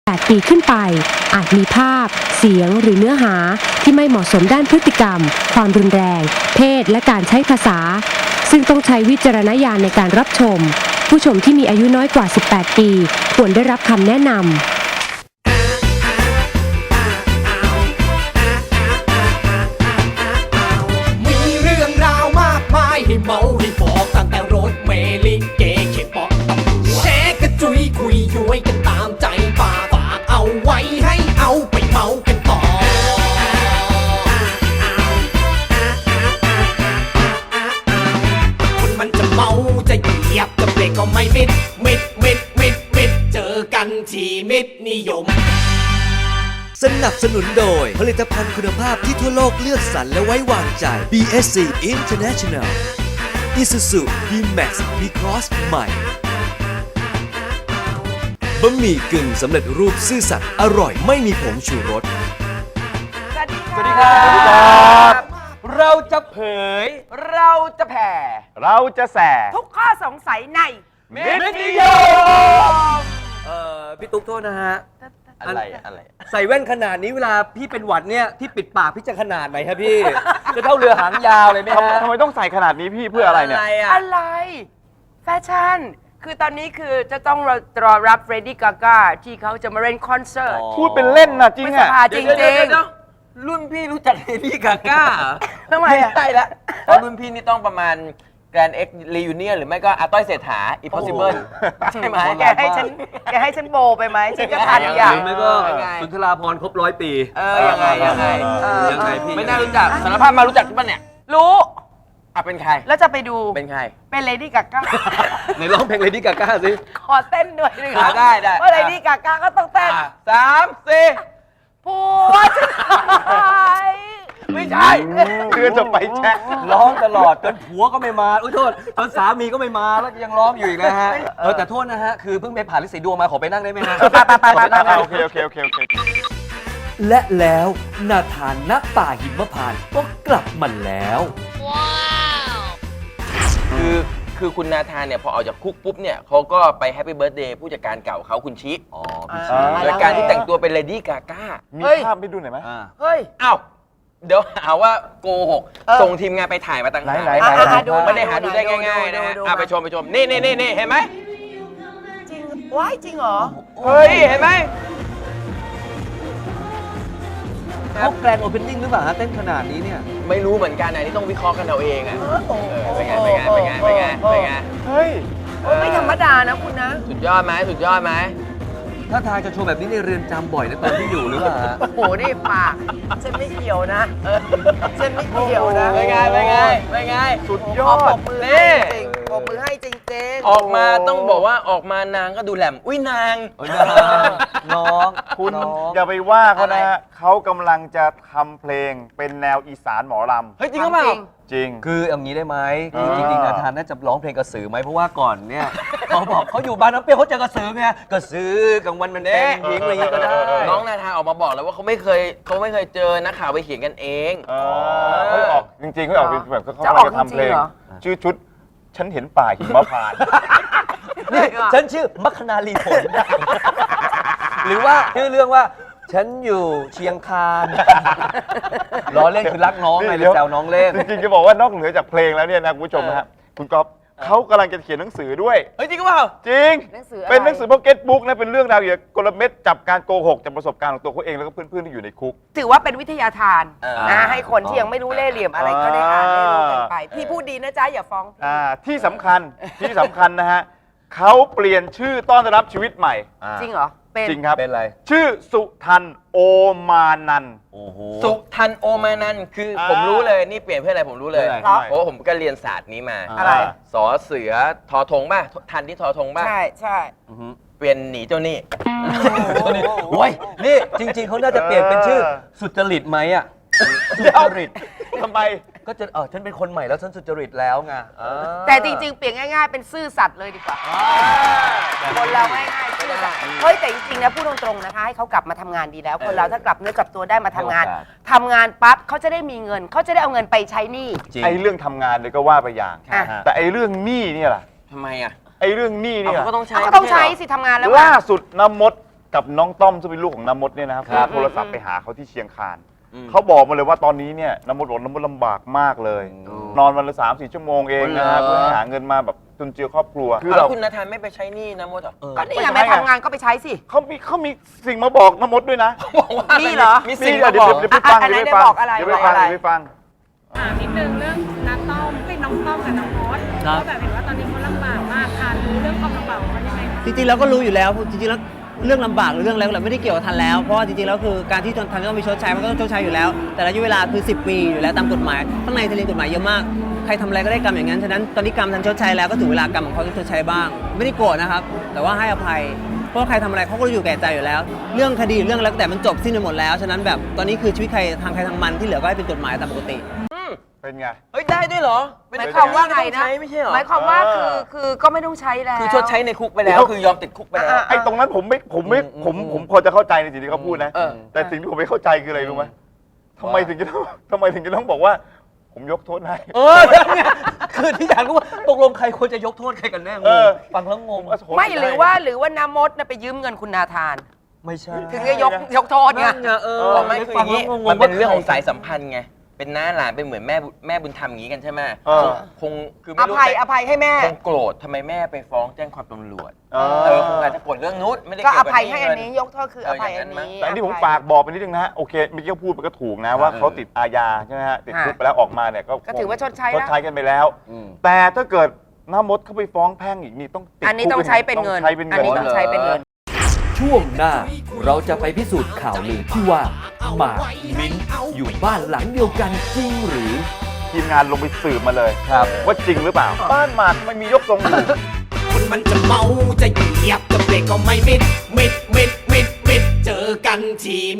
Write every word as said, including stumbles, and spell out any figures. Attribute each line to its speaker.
Speaker 1: แปดปีขึ้นไปอาจมีภาพเสียงหรือเนื้อหาที่ไม่เหมาะสมด้านพฤติกรรมความรุนแรงเพศและการใช้ภาษาซึ่งต้องใช้วิจารณญาณในการรับชมผู้ชมที่มีอายุน้อยกว่าสิบแปดปีควรได้รับคำแนะนำ
Speaker 2: ให้เมาให้บอกตั้งแต่รถเมลิเกเข็มบอกแชร์กระจุยคุยย้วยกันตามใจป่าฝากเอาไว้ให้เอาไปเมากันต่อคนมันจะเมาจะเหยียบจะเบรกก็ไม่มิดมิดมิดมิดมิดเจอกันที่มิดนิยม
Speaker 3: สนับสนุนโดยผลิตภัณฑ์คุณภาพที่ทั่วโลกเลือกสรรและไว้วางใจ บี เอส ซี International Isuzu D-Max V-Cross ใหม่บะหมี่กึ่งสำเร็จรูปซื่อสัตย์อร่อยไม่มีผงชูรส
Speaker 4: สวัสดีครับเราจะเผยเราจะแผ่
Speaker 5: เราจะแส
Speaker 4: ทุกข้อสงสัยใน
Speaker 5: เม็ดนิยม
Speaker 3: เอ่อพี่ตุ๊กโทษนะฮะ
Speaker 4: อะไรอะไร
Speaker 3: ใส่แว่นขนาดนี้เวลาพี่เป็นหวัดเนี่ยที่ปิดปากพี่จะขนาดไหนครับพี่ จะเท่าเรือหางยาวเลยไหมฮะ
Speaker 5: ทำไมต้องใส่ขนาดนี้พี่เพื่ออะไรเนี่ย
Speaker 4: อะไรแฟชั่นคือตอนนี้คือจะต้องรอรับเรดี้กาก้าที่เขาจะมาเล่นคอนเสิร์ต
Speaker 5: พูดเป็นเล่นนะจริงอ่ะ
Speaker 4: จริงจริงรุ่นพี่รู้จักเรดี้กาก้าทำไมอ่ะใช่ละตอนรุ่นพี่นี่ต้องประมาณแกรนด์เอ็กซ์รียูเนียนหรือไม่ก็อาต้อยเศรษฐา impossible ใช่ไหมแกให้ฉันแกให้ฉันโบไปไหมฉันจะทันอย่าง
Speaker 3: หรือไม่ก็สุนทราภรณ์ครบร้อยปี
Speaker 4: เออยังไงยังไง
Speaker 3: ยังไงพี่
Speaker 4: ไม่น่ารู้จักสารภาพมารู้จักป่ะเนี่ยรู้อ่ะเป็นใครแล้วจะไปดูเป็นใครเป็นเลดี้กาก้า
Speaker 3: ไหนร้องเพลงเลดี้กาก้าสิ
Speaker 4: ขอเต้นด้วยหนึ่งได้ได้เพราะเลดี้กาก้าก็ต้องเต้นสามสี่ผัวฉันหายไม่ใช่
Speaker 5: เพื่อจะไปแช็ค
Speaker 3: ร้องตลอดจนผัวก็ไม่มาอุ้ยโทษจนสามีก็ไม่มาแล้วยังร้องอยู่อีกนะฮะเออแต่โทษนะฮะคือเพิ่งไปผ่านฤทธิ์สีดวงมาขอไปนั่งได้ไหมฮะ
Speaker 4: ไปไปไปไป
Speaker 5: โอเคโอเคโอเคโอเค
Speaker 3: และแล้วนาธานณป่าหิมพานต์ก็กลับมาแล้ว
Speaker 4: ว้าวคือคือคุณนาธานเนี่ยพอออกจากคุกปุ๊บเนี่ยเขาก็ไปแฮปปี้เบิร์ธเดย์ผู้จัดการเก่าเขาคุณชิอ๋อพี่ชิโดยการที่แต่งตัวเป็นเลดี้กาก้า
Speaker 5: มีภาพให้ดูหน่อยไหม
Speaker 4: เฮ้ยอ้าวเดี๋ยวหาว่าโกหกส่งทีมงานไปถ่ายมาตั้งหลายหลายไม่ได้หาดูได้ง่ายๆนะฮะไปชมไปชมนี่นี่นี่นี่เห็นไหมจริงว้ายจริงเหรอเฮ้ยเห็นไหม
Speaker 3: เขาแกรนด์โอเพนนิ่งหรือเปล่าฮะเต้นขนาดนี้เนี่ย
Speaker 4: ไม่รู้เหมือนกันนะนี่ต้องวิเคราะห์กันเอาเองอ่ะเป็นไงเป็นไงเป็นไงเป็นไงเป็นไง
Speaker 5: เฮ้ย
Speaker 4: ไม่ธรรมดานะคุณนะสุดยอดไหมสุดยอดไหม
Speaker 3: ถ้าทางจะโชว์แบบนี้ในเรือนจำบ่อยนะตอนที่อยู่หรือเปล่า
Speaker 4: โอ้โหนี่ปากฉันไม่เกี่ยวนะฉันไม่เกี่ยวนะเป็นไงเป็นไงเป็นไง
Speaker 5: สุดยอด
Speaker 4: ปรบมือให้จริงปรบมือให้จริงๆออกมาต้องบอกว่าออกมานางก็ดูแหลมอุ้ยนาง
Speaker 3: น้อง
Speaker 5: คุณอย่าไปว่าเขานะเขากำลังจะทำเพลงเป็นแนวอีสานหมอลำ
Speaker 4: เฮ้ยจริงหรือเปล่า
Speaker 5: จริง
Speaker 3: คืออย่างนี้ได้ไหมจริงๆนาธานน่าจะร้องเพลงกระสือไหมเพราะว่าก่อนเนี่ยเขาบอกเขาอยู่บ้านน้ำเปรี้ยวเขาเจอกระสือไงกระสือกลางวันมันเป็นหญิงอะไรอย่างนี้ก็ได้
Speaker 4: น้องนาธานออกมาบอกแล้วว่าเขาไม่เคยเขาไม่เคยเจอนักข่าวไปเขียนกันเอง
Speaker 5: เขาออกจริงๆเขาออกแบบเขาจะทำเพลงชื่อชุดฉันเห็นป่าหิมพานต์
Speaker 3: นี่ฉันชื่อมัคคณาลีผลหรือว่าชื่อเรื่องว่าฉันอยู่เชียงคานล้อเล่นคือรักน้องไงเลยแซวน้องเล่น
Speaker 5: จริงๆจะบอกว่านอกเหนือจากเพลงแล้วเนี่ยนะคุณผู้ชมนะฮะคุณก๊อฟเขากำลังจะเขียนหนังสือด้วย
Speaker 4: เฮ้ยจริงเปล่า
Speaker 5: จริงเป็นหนังสือพ็อกเก็ตบุ๊กนะเป็นเรื่องราวเกี่ยวกับกลเม็ดจับการโกหกจากประสบการณ์ของตัวเขาเองแล้วก็เพื่อนๆที่อยู่ในคุก
Speaker 4: ถือว่าเป็นวิทยาทานนะให้คนที่ยังไม่รู้เล่ห์เหลี่ยมอะไรก็ได้อ่านได้รู้กันไปพี่พูดดีนะจ๊ะอย่าฟ้อง
Speaker 5: อ่าที่สำคัญที่สำคัญนะฮะเขาเปลี่ยนชื่อต้อนรับชีวิตใหม่
Speaker 4: จริงเหรอ
Speaker 5: จริงครับ
Speaker 3: เป็นอะไร
Speaker 5: ชื่อสุทันโอมานัน
Speaker 4: สุทันโอมานันคือผมรู้เลยนี่เปลี่ยนเพื่ออะไรผมรู้เลยเพราะผมก็เรียนศาสตร์นี้มา
Speaker 5: อะไร
Speaker 4: สอเสือทอธงป่ะทันที่ทอธงป่ะ
Speaker 5: ใช่ใช่
Speaker 4: เปลี่ยนหนีเจ้านี่
Speaker 3: โอ้ยนี่จริงๆเขาน่าจะเปลี่ยนเป็นชื่อสุจริตไหมอ่ะสุจริต
Speaker 5: ทำไม
Speaker 3: ก็จะเออฉันเป็นคนใหม่แล้วฉันสุจริตแล้วไง
Speaker 4: แต่จริงๆเปลี่ยนง่ายๆเป็นซื่อสัตย์เลยดีกว่าคนเราง่ายๆซื่อสัตย์เฮ้ยแต่จริงๆนะพูดตรงๆนะคะให้เขากลับมาทำงานดีแล้วคนเราถ้ากลับเนื้อกลับตัวได้มาทำงานทำงานปั๊บเขาจะได้มีเงินเขาจะได้เอาเงินไปใช้หนี้
Speaker 5: ไอ้เรื่องทำงานเลยก็ว่าไปอย่างแต่ไอ้เรื่องหนี้เนี่ยล่ะ
Speaker 4: ทำไมอ่ะ
Speaker 5: ไอ้เรื่องหนี้เนี่ย
Speaker 4: ก็ต้องใช้ก็ต้องใช้สิทำงานแล้ว
Speaker 5: ล่าสุดน้ำมดกับน้องต้อมซึ่งเป็นลูกของน้ำมดเนี่ยนะครับ
Speaker 3: ครับ
Speaker 5: โทรศัพท์ไปหาเขาที่เชียงคานเขาบอกมาเลยว่าตอนนี้เนี่ยน้ำมดบอกน้ำมดลำบากมากเลย นอนวันละสามสี่ชั่วโมงเองนะฮะ
Speaker 6: เหรอ
Speaker 5: เพื่อหาเงินมาแบบจุนเจือครอบครัวคือ
Speaker 6: แล้
Speaker 5: เรา
Speaker 6: วคุณนาธานไม่ไปใช้หนี้นะมดอ่ะ
Speaker 4: ก็นี่ไงไปทำงานก็ไปใช้สิ
Speaker 5: เขามีเขามีสิ่งมาบอกน้ำมดด้วยนะ
Speaker 6: บอกว่า
Speaker 4: นี่เหรอ
Speaker 6: มีสิ่ง
Speaker 5: นี่
Speaker 6: มา
Speaker 5: เดี๋ย
Speaker 6: บ
Speaker 5: ว
Speaker 6: อก
Speaker 5: เดี๋ยวไปฟัง
Speaker 4: อ่ะ
Speaker 5: เดี๋ยว
Speaker 4: ไหน
Speaker 5: ไปฟัง
Speaker 4: บอกอะไร
Speaker 5: เดี๋ยวไปฟัง
Speaker 4: อะไร
Speaker 5: เดี๋ยวไปฟัง
Speaker 7: ถามนิดนึงเรื่องน้าต้อมเป็นน้องต้อมกับน้องมด
Speaker 8: ครับ
Speaker 7: ก็แบบเห็นว่าตอนนี้เขาลำบากมากค่ะรู้เรื่องความลำบากของเขายังไงคะ
Speaker 8: จริงๆแล้วก็รู้อยู่แล้วจริงๆแล้วเรื่องลำบากหรือเรื่องอะไรก็แล้วไม่ได้เกี่ยวกับทันแล้วเพราะว่าจริงๆแล้วคือการที่ทันต้องมีชดใช้มันก็ต้องชดใช้อยู่แล้ว แต่ระยะเวลาคือสิบปีอยู่แล้วตามกฎหมายข้างในทะเลกฎหมายเยอะมากใครทำอะไรก็ได้กรรมอย่างนั้นฉะนั้นตอนนี้กรรมทันชดใช้แล้วก็ถึงเวลากรรมของเขาต้องชดใช้บ้าง ไม่ได้โกรธนะครับแต่ว่าให้อภัยเพราะว่าใครทำอะไรเขาก็รู้อยู่แก่ใจอยู่แล้ว เรื่องคดีเรื่องอะไรก็แต่มันจบสิ้นไปหมดแล้วฉะนั้นแบบตอนนี้คือชีวิตใครทางใครทางมันที่เหลือก็ให้เป็นกฎหมายตามปกติ
Speaker 5: เป็นไง
Speaker 6: เฮ้ยได้ด้วยเหรอเป็น
Speaker 4: หมายความว่าไงนะ
Speaker 6: ใช้ไม่ใช่เหรอ
Speaker 4: หมายความว่าคือคือก็ไม่ต้องใช้แล้ว
Speaker 6: คือชดใช้ในคุกไปแล้วคือยอมติดคุกไปแล้ว
Speaker 5: ไอ้ตรงนั้นผมไม่ผมไม่ผมผมพอจะเข้าใจในสิ่งที่เขาพูดนะ
Speaker 6: เออ
Speaker 5: แต่สิ่งที่ผมไม่เข้าใจคืออะไรรู้ไหมทำไมถึงจะต้องทำไมถึงจะต้องบอกว่า ผมยกโทษให้
Speaker 3: เออนั่นไงคือที่อยากรู้ว่าตกลงใครควรจะยกโทษใครกันแน่ง
Speaker 5: เอง อ
Speaker 3: ฟังแล้วงง
Speaker 4: ไม่หรือว่าหรือว่าน้ำมดน่ะไปยืมเงินคุณนาธาน
Speaker 3: ไม่ใช่
Speaker 4: ถึงจะยกยกโทษไง
Speaker 3: นั่นไงเออ
Speaker 6: บอกไม่คืออย่างนี้
Speaker 3: ฟังแล้วงงๆ
Speaker 6: มันเป็นเรื่องของ
Speaker 3: ว่าใคร
Speaker 6: สายสัมพันธ์ไงเป็นน้าหลานเป็นเหมือนแม่บุแม่บุญธรรมอย่างนี้กันใช่ไหม
Speaker 5: เออ
Speaker 6: คงคือ
Speaker 4: อ
Speaker 6: ไม่รู้
Speaker 4: ภัยอภัยให้แม่
Speaker 6: คงโกรธทำไมแม่ไปฟ้องแจ้งความตำรวจ
Speaker 5: เอ
Speaker 6: เออ
Speaker 5: อ
Speaker 6: คงอาจจะโกรธเรื่องนู้นไม่ได้
Speaker 4: ก็
Speaker 6: เกี่
Speaker 4: อ
Speaker 6: ยวกับ
Speaker 4: ภัยให้อัน
Speaker 6: เงิ
Speaker 4: นี้ยกโทษคืออภัยอันนี้
Speaker 5: แต่อันนี้ผม
Speaker 4: อภัย
Speaker 5: ฝากบอกไปนิดนึงนะฮะโอเคเมื่อกี้เขาพูดไปก็ถูกนะว่าเขาติดอาญาใช่ไหมฮะติดคุกไปแล้วออกมาเนี่ยก็
Speaker 4: ก็ถือว่าชดใช้
Speaker 5: ช
Speaker 4: แล้ว
Speaker 5: ดใช้กันไปแล้ว แต่ถ้าเกิดน้ามดเขาไปฟ้องแพ่งอีกนี่ต้องติด
Speaker 4: อันนี้
Speaker 5: คุก
Speaker 4: ต้องใช้เป็นเงิน
Speaker 5: ต้องใช้เป็น
Speaker 4: อั
Speaker 5: เงิ
Speaker 4: นนี้ต้องใช้เป็นเงิน
Speaker 9: ช่วงหน้าเราจะไปพิสูจน์ข่าวลือที่ว่าหมากมิ้นท์อยู่บ้านหลังเดียวกันจริงหรือ
Speaker 5: ทีมงานลงไปสืบมาเลย
Speaker 3: ครับ
Speaker 5: ว่าจริงหรือเปล่า บ้านหมากมันมียกทรงอยู่
Speaker 2: คนมันจะเมาจะเหยียบจะเบรกก็ไม่มิดมิดมิดมิดมิดเจอกันที